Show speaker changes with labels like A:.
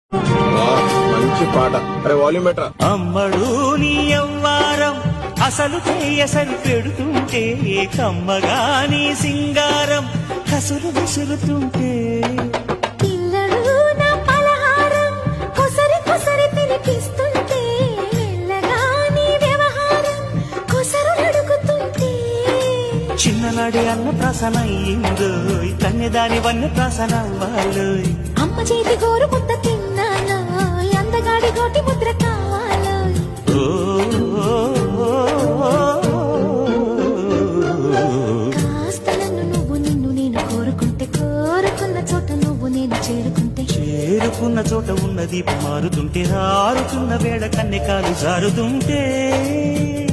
A: మంచి పాట. అరే వాల్యూమ్ బెటరా.
B: అమ్మడు నీ అవ్వారం అసలు చేయసలు పెడుతుంటే కమ్మగా నీ సింగారం కసురు విసురుతుంటే
C: పిల్లడు నా పలహారం కొసరి కొసరి తినిపిస్తుంటే మెల్లగా నీ వ్యవహారం కొసరు అడుగుతుంటే
B: చిన్ననాడి అన్న ప్రసన అయ్యిందో కన్యదాని వన్న ప్రసన అవ్వాలోయ్
C: అమ్మ చేతి గోరు ముద్ద తిన్నాను అందగాడి గోటి ముద్ర కావాలో కాస్త నన్ను నువ్వు నిన్ను నేను కోరుకుంటే కోరుకున్న చోట నువ్వు నేను చేరుకుంటే
B: చేరుకున్న చోట ఉన్నది మారుతుంటే ఆరుతున్న వేళ కన్నెకాలు జారుతుంటే